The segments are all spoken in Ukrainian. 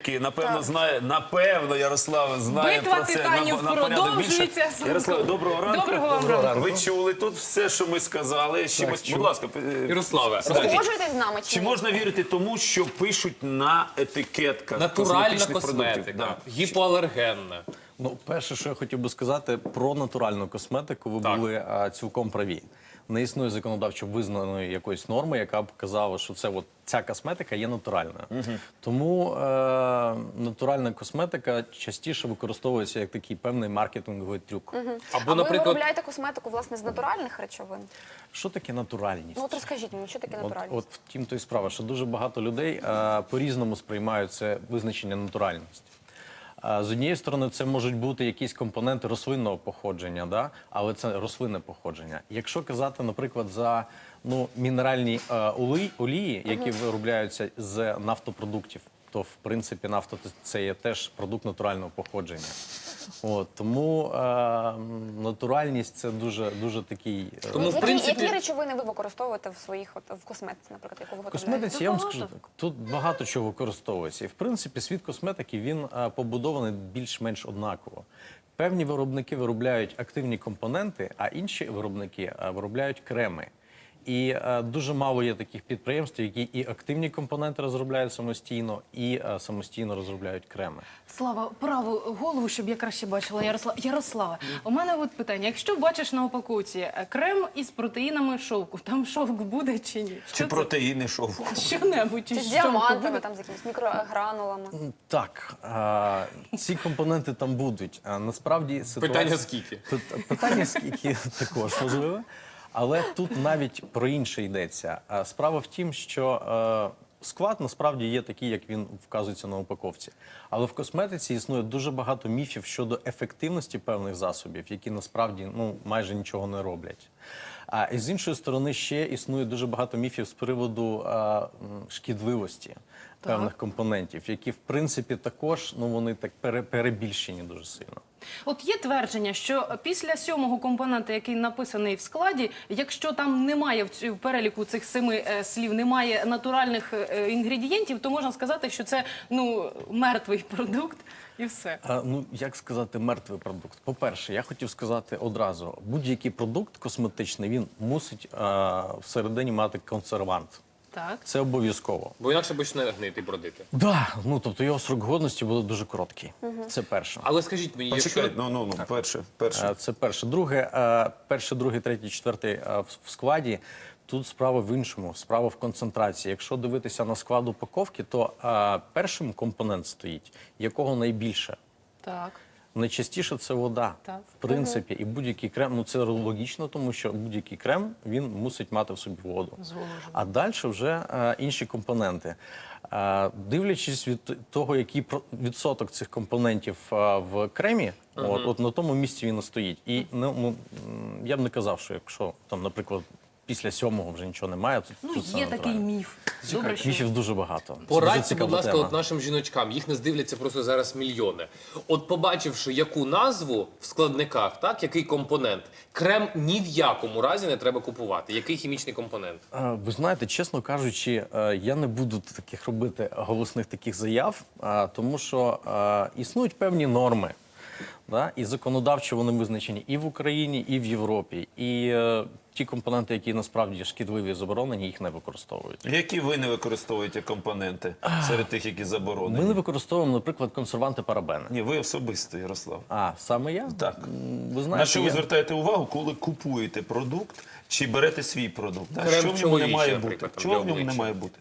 Напевно, знає, напевно, Ярослав знає Битва про це титанів на порядок більше. продовжується. Ярослав, доброго ранку. Доброго вам ранку. Ви чули тут все, що ми сказали. Будь ласка, Ярославе, Погоджуєтесь з нами чи чи ні? можна вірити тому, що пишуть на етикетках натуральна косметичних продуктів? косметика, гіпоалергенна. Ну, перше, що я хотів би сказати про натуральну косметику, ви Так. були цілком праві. Не існує законодавчо визнаної якоїсь норми, яка б казала, що це от ця косметика є натуральною. Тому натуральна косметика частіше використовується як такий певний маркетинговий трюк. Або, А ви наприклад, виробляєте косметику, власне, з натуральних речовин? Що таке натуральність? Ну, от розкажіть мені, що таке натуральність? От втім, то й справа, що дуже багато людей по-різному сприймають це визначення натуральності. З однієї сторони, це можуть бути якісь компоненти рослинного походження, да? Але це рослинне походження. Якщо казати, наприклад, за мінеральні олії, які виробляються з нафтопродуктів, то, в принципі, нафта – це є теж продукт натурального походження. Тому натуральність – це дуже такий… Тому, в принципі- Які речовини ви використовуєте в косметиці, наприклад, яку ви В виготовляєте? косметиці, я вам скажу так, тут багато чого використовується. І, в принципі, світ косметики, він побудований більш-менш однаково. Певні виробники виробляють активні компоненти, а інші виробники виробляють креми. І дуже мало є таких підприємств, які і активні компоненти розробляють самостійно, і самостійно розробляють креми. Слава, праву голову, щоб я краще бачила. Ярослава, у мене от питання. Якщо бачиш на упаковці крем із протеїнами шовку, там шовк буде чи ні? Чи протеїни шовку? Що-небудь Чи із з шовку діамантами, буде? там, з якимись мікрогранулами? Так, ці компоненти там будуть. Насправді ситуація… Питання скільки? Питання скільки також можливо. Але тут навіть про інше йдеться. Справа в тім, що склад насправді є такий, як він вказується на упаковці. Але в косметиці існує дуже багато міфів щодо ефективності певних засобів, які насправді майже нічого не роблять. І з іншої сторони ще існує дуже багато міфів з приводу шкідливості певних компонентів, які в принципі також вони так перебільшені дуже сильно. От є твердження, що після 7-го компонента, який написаний в складі, якщо там немає в переліку цих 7 слів, немає натуральних інгредієнтів, то можна сказати, що це мертвий продукт і все. Як сказати мертвий продукт? По-перше, я хотів сказати одразу, будь-який продукт косметичний, він мусить всередині мати консервант. Так. Це обов'язково. Бо інакше почне гнити і бродити. Да, тобто його срок годності буде дуже короткий. Це перше. Але скажіть мені, якщо... Почекай, перше. Це перше. Друге, перше, другий, третій, четвертий в складі. Тут справа в іншому, справа в концентрації. Якщо дивитися на склад упаковки, то першим компонент стоїть, якого найбільше. Так. Найчастіше це вода, Так. в принципі, і будь-який крем, це логічно, тому що будь-який крем, він мусить мати в собі воду. А далі вже інші компоненти. Дивлячись від того, який відсоток цих компонентів в кремі, от на тому місці він і стоїть. І я б не казав, що якщо, там, наприклад, після 7-го вже нічого немає, то це Є такий натурально. міф. Добре, що Міфів дуже багато. Це дуже Порадьте, цікава будь ласка, тема. от нашим жіночкам, їх не здивляться просто зараз мільйони. От побачивши, яку назву в складниках, так, який компонент, крем ні в якому разі не треба купувати. Який хімічний компонент? Ви знаєте, чесно кажучи, я не буду таких робити голосних таких заяв, тому що існують певні норми. Да? І законодавчо вони визначені і в Україні, і в Європі. І ті компоненти, які насправді шкідливі і заборонені, їх не використовують. Які ви не використовуєте компоненти серед тих, які заборонені? Ми не використовуємо, наприклад, консерванти парабени. Ні, ви особисто, Ярослав. Саме я? Так. Ви знаєте, На що ви звертаєте увагу, коли купуєте продукт чи берете свій продукт? Да? Крем Що в ньому не чоловічий, має наприклад, бути? там, Чого для в ньому не обличчя. має бути?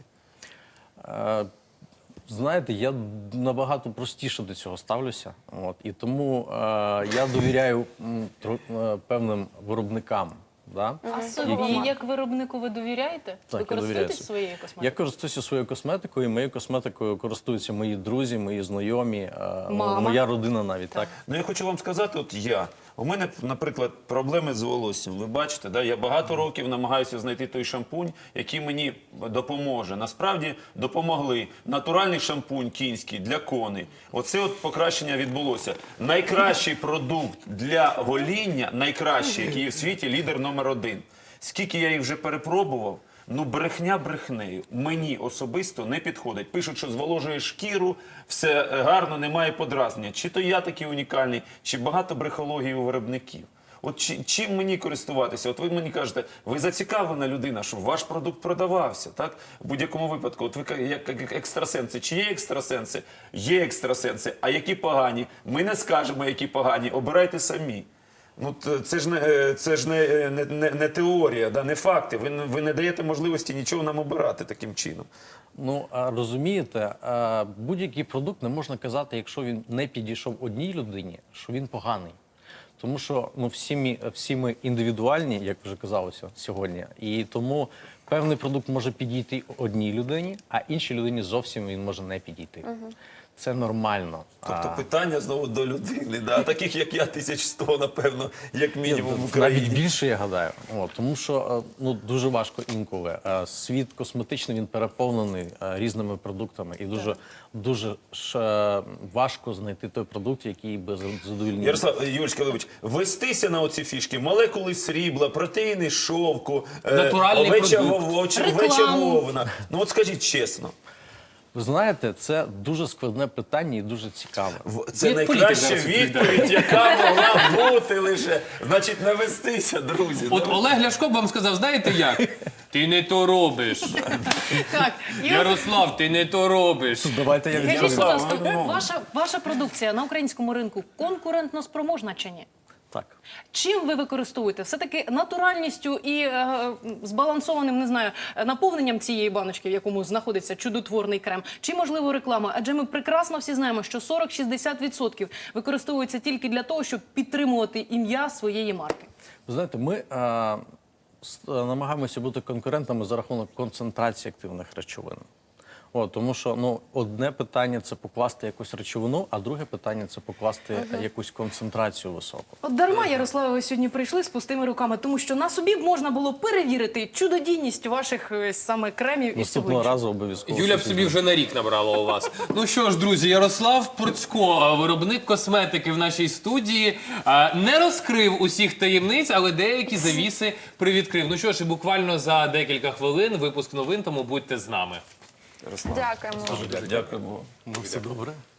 Знаєте, я набагато простіше до цього ставлюся. І тому я довіряю певним виробникам. Да? А собі, як виробнику, ви довіряєте? Ви я довіряю користуєтесь собі. своєю Я косметикою? користуюся своєю косметикою, і моєю косметикою користуються мої друзі, мої знайомі, Мама. моя родина навіть. Так. Ну, я хочу вам сказати, у мене, наприклад, проблеми з волоссям. Ви бачите, да? Я багато років намагаюся знайти той шампунь, який мені допоможе. Насправді допомогли. Натуральний шампунь кінський для коней. Оце от покращення відбулося. Найкращий продукт для гоління, найкращий, який є в світі, лідер номер 1. Скільки я їх вже перепробував, Ну, брехня брехнею. Мені особисто не підходить. Пишуть, що зволожує шкіру, все гарно, немає подразнення. Чи то я такий унікальний, чи багато брехології у виробників. От чим мені користуватися? От ви мені кажете, ви зацікавлена людина, щоб ваш продукт продавався, так? В будь-якому випадку. От ви як екстрасенси. Чи є екстрасенси? Є екстрасенси. А які погані? Ми не скажемо, які погані. Обирайте самі. Ну, це ж не теорія, да, не факти. Ви не даєте можливості нічого нам обирати таким чином. Ну, розумієте, будь-який продукт не можна казати, якщо він не підійшов одній людині, що він поганий. Тому що ну, всі ми індивідуальні, як вже казалося сьогодні, і тому певний продукт може підійти одній людині, а іншій людині зовсім він може не підійти. Це нормально. Тобто питання знову до людини, да? Таких як я 1100, напевно, як мінімум в Україні. Навіть більше, я гадаю. Тому що ну, дуже важко інколи. Світ косметичний, він переповнений різними продуктами. І дуже важко знайти той продукт, який би задовольнив. Ярослав Юрійович, вестися на оці фішки, молекули срібла, протеїни шовку, Натуральний овеча Рекламу. вовна. Ну от скажіть чесно, Ви знаєте, це дуже складне питання і дуже цікаве. це Від найкраща політики зараз відповідь, яка могла бути лише. Значить, не вестися, друзі. От Олег Ляшко б вам сказав, знаєте як? Ти не то робиш. Так, і от Ярослав, ти не то робиш. Давайте я скажіть, відповім. будь ласка, ваша продукція на українському ринку конкурентно спроможна чи ні? Так. Чим ви використовуєте? Все-таки натуральністю і збалансованим, не знаю, наповненням цієї баночки, в якому знаходиться чудотворний крем? Чи, можливо, реклама? Адже ми прекрасно всі знаємо, що 40-60% використовується тільки для того, щоб підтримувати ім'я своєї марки. Ви знаєте, ми намагаємося бути конкурентами за рахунок концентрації активних речовин. Тому що ну, одне питання – це покласти якусь речовину, а друге питання – це покласти якусь концентрацію високу. От дарма, Ярославе, ви сьогодні прийшли з пустими руками, тому що на собі можна було перевірити чудодійність ваших саме кремів і всього Наступного іншого. разу обов'язково. Юля б щось собі вже на рік набрала у вас. Ну що ж, друзі, Ярослав Пурцько, виробник косметики в нашій студії, не розкрив усіх таємниць, але деякі завіси привідкрив. Ну що ж, і буквально за декілька хвилин випуск новин, тому будьте з нами. Ярослав, Дякуємо. дякуємо. Ну, все добре.